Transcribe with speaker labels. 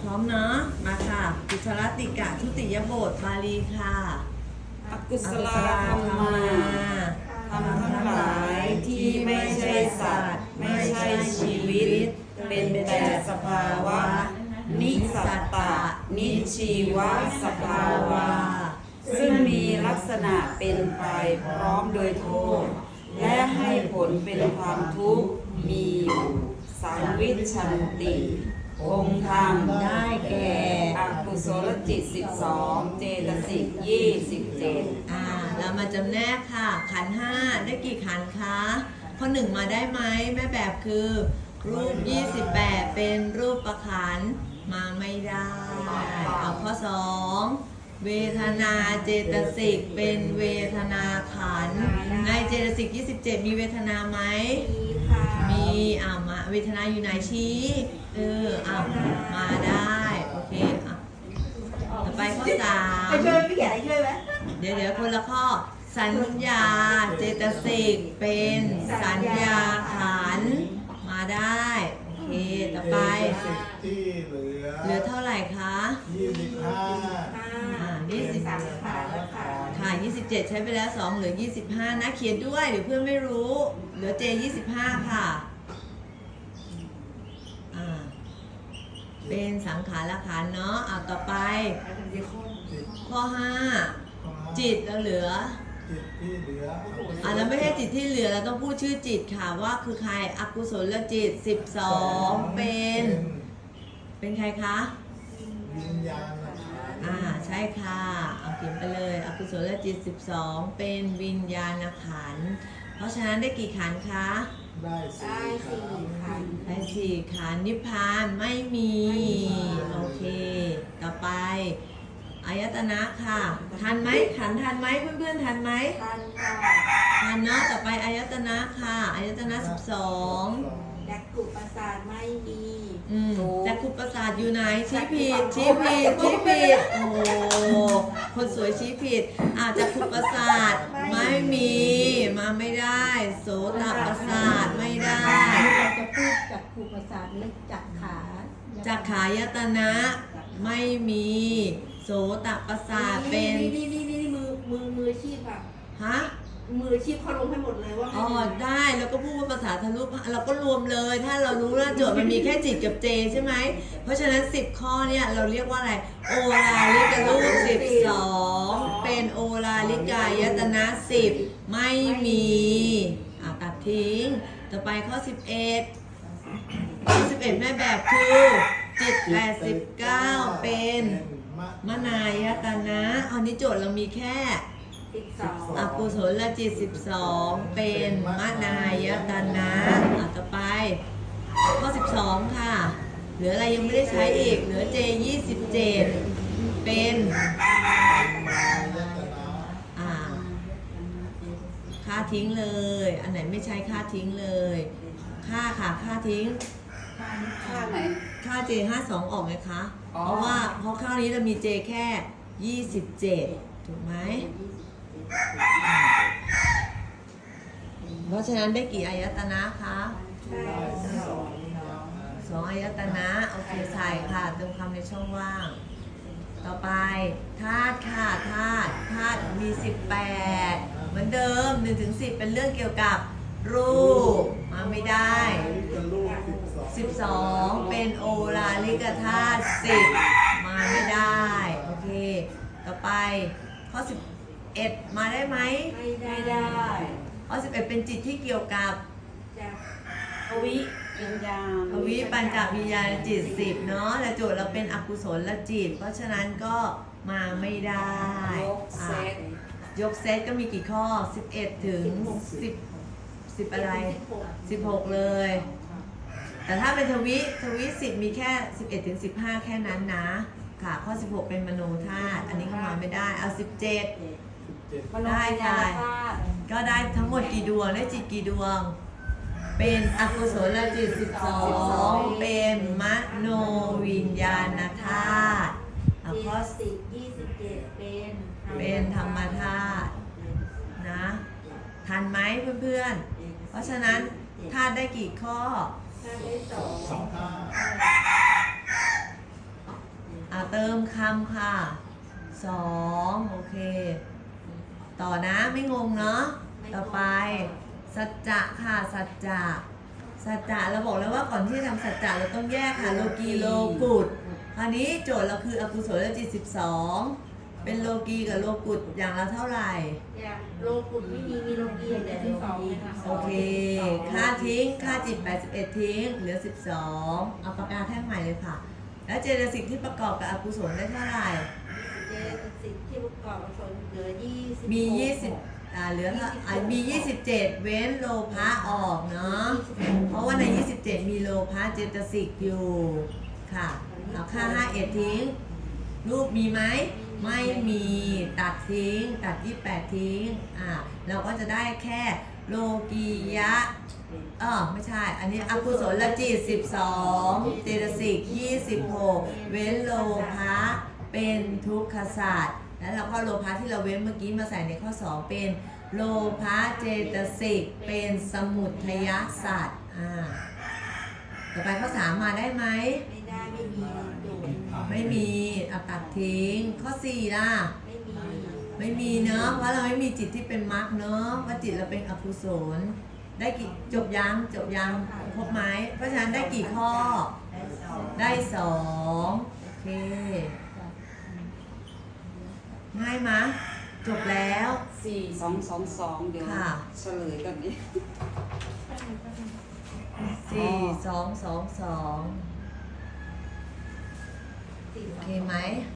Speaker 1: ร้อมเนาะมาค่ะกุศลติกะทุติยบทบาลีค่ะ
Speaker 2: อกุศลธรรมาธรรมทั้งหลายที่ไม่ใช่สัตว์ไม่ใช่ชีวิตเป็นแต่สภาวะนิสัตตะนิชีวะสภาวะซึ่งมีลักษณะเป็นไปพร้อมโดยโทษและให้ผลเป็นความทุกข์มีอยู่สังวิชชันติคงธรรม
Speaker 1: ได้แก่
Speaker 2: อกุศลจิต12เจตสิก27
Speaker 1: เรามาจำแนกค่ะขันธ์5ได้กี่ขันธ์คะข้อ1มาได้ไหมแม่แบบคือรูป28เป็นรูปประขันธ์มาไม่ได้เอาข้อ2เวทนาเจตสิกเป็นเวทนาขันธ์ในเจตสิก27มีเวทนาไหมมีมาเวทนาอยู่ไหนชี้มาได้โอเคต่อไปข้อ3
Speaker 3: ช่วยพี่เขียนอะไรช่วยไหม
Speaker 1: เดี๋ยวคนละข้อสัญญาเจตสิกเป็นสัญญาขันธ์มาได้โอเคต่อไป
Speaker 4: ที่
Speaker 1: เหลือเท่าไหร่คะ
Speaker 4: 25
Speaker 1: ค่ะ27ใช้ไปแล้ว2เหลือ25นะเขียนด้วยเดี๋ยวเพื่อนไม่รู้เหลือเจ25ค่ะเป็นสังขารขันธ์เนาะต่อไปข้อ5จิตเราเหลือ
Speaker 4: จิตที่เหลือ
Speaker 1: แล้วไม่ใช่จิตที่เหลือเราต้องพูดชื่อจิตค่ะว่าคือใครอกุศลจิต12เป็นใครคะ
Speaker 4: วิญญาณ
Speaker 1: ใช่ค่ะเอาเขียนไปเลยอกุศลจิต12เป็นวิญญาณขันธ์เพราะฉะนั้นได้กี่ขันธ์คะ
Speaker 4: ได้4 ขันธ์
Speaker 1: ได้4 ขันธ์นิพพานไม่มีโอเคต่อไปอายตนะค่ะทันไหมขันธ์ทันไหมเพื่อนๆทันไหมทันเนาะต่อไปอายตนะค่ะอายตนะ12
Speaker 3: จักขุประสาทไม่มี
Speaker 1: จักขุประสาทอยู่ไหนชี้ผิดโอ้โหคนสวยชี้ผิดจักขุประสาทไม่มีมาไม่ได้โสตประสาทไม่ได้
Speaker 3: เราจะพูดจักขุประสาทและ
Speaker 1: จักขายตนะไม่มีโสตประสาทเป็น
Speaker 3: มือชีพแบบมือชีพเขาลงให้หมดเลยว่า
Speaker 1: ได้แล้วก็พูดว่าภาษาทะลุเราก็รวมเลยถ้าเรารู้ว่าโจทย์มันมีแค่จิตกับเจใช่ไหมเพราะฉะนั้น10ข้อเนี่ยเราเรียกว่าอะไรโอลาลิการูป12เป็นโอลาลิกายตนะ10ไม่มีตัดทิ้งต่อไปข้อ11แม่แบบคือจิต89เป็นมนายตนะอันนี้โจทย์เรามีแค่อกุศลจิต12เป็นมนายตนะต่อไปข้อ12ค่ะเหลืออะไรยังไม่ได้ใช้อีกเหลือเจ27เป็นค่าทิ้งเลยอันไหนไม่ใช้ค่าทิ้งเลยค่าทิ้ง
Speaker 2: ค่าไหน
Speaker 1: ค่า J52 ออกไหมคะเพราะข้าวนี้เรามี J แค่27ถูกไหมเพราะฉะนั้นได้กี่อายตนะคะ2 อายตนะโอเคใส่ค่ะเติมคำในช่องว่างต่อไปธาตุค่ะธาตุมี18เหมือนเดิม1-10เป็นเรื่องเกี่ยวกับรูปมาไม่ได้12เป็นโอลาลิกธาตุ10มาไม่ได้โอเคต่อไปข้อ11มาได้ไหม
Speaker 2: ไม่ได้
Speaker 1: ข้อ11เป็นจิตที่เกี่ยวกับ
Speaker 2: ภวิวิญญาณ
Speaker 1: ภวิปัญจวิญญาณจิต10เนาะแต่โจทย์เราเป็นอกุศลจิตเพราะฉะนั้นก็มาไม่ได้ยกเซตก็มีกี่ข้อ11ถึง10อะไร16เลยแต่ถ้าเป็นทวิ10มีแค่11ถึง15แค่นั้นนะค่ะข้อ16เป็นมโนธาตุอันนี้ก็มาไม่ได้เอา17ได้ค่ะก็ได้ทั้งหมดกี่ดวงได้จิตกี่ดวงเป็นอกุศลจิต12เป็นมโนวิญญาณธาตุข้อ
Speaker 3: 27
Speaker 1: เป็นธรรมธาตุนะทันไหมเพื่อนๆเพราะฉะนั้นธาตุได้กี่ข้อ
Speaker 3: ได้2
Speaker 1: เติมคำค่ะ2โอเค ต่อนะไม่งงเนาะต่อไป สัจจะค่ะสัจจะเราบอกแล้วว่าก่อนที่จะทำสัจจะเราต้องแยกค่ะโลกีโลกุตคราวนี้โจทย์เราคืออกุศลจิต12เป็นโลกีกับโลกุตอย่างละเท่าไหร่
Speaker 3: อย่างโลกุตไม่มีโลกีอย่างเดียวที่สองนะคะ
Speaker 1: โอเคค่าทิ้งค่าจิต81ทิ้งเหลือ12เอาปากกาแท่งใหม่เลยค่ะ แล้วเจตสิกที่ประกอบกับอกุศลได้เท่าไหร่
Speaker 3: เจตสิกที่ประกอบอกุศลเหลือ20
Speaker 1: มี20เหลือมี 27 เว้นโลภะออกเนาะเพราะว่าใน 27 มีโลภะเจตสิกอยู่ค่ะเอาค่า51ทิ้งรูปมีไหมไม่มีตัดทิ้งตัด28ทิ้งเราก็จะได้แค่โลกียะไม่ใช่อันนี้อกุศลจิต12เจตสิก26เว้นโลภะเป็นทุกขศาสตร์แล้วเราก็โลภะที่เราเว้นเมื่อกี้มาใส่ในข้อ2เป็นโลภะเจตสิกเป็นสมุทัยศาสตร์ต่อไปข้อ3มาได้ไหม
Speaker 3: ไม่ได้ไม่มีโจทย์
Speaker 1: ไม่มีตัดทิ้งข้อ4ล่ะ ไม่มีเนอะเพราะเราไม่มีจิตที่เป็นมรรคเนอะว่าจิตเราเป็นอกุศลได้กี่จบยังครบไหมเพราะฉะนั้นได้กี่ข้อได้2โอเคง่ายมะจบแล้ว
Speaker 2: 4222 เดี๋ยว
Speaker 1: ค่ะ
Speaker 2: เฉลยกันนี้
Speaker 1: 4 2 2 2โอเคไหม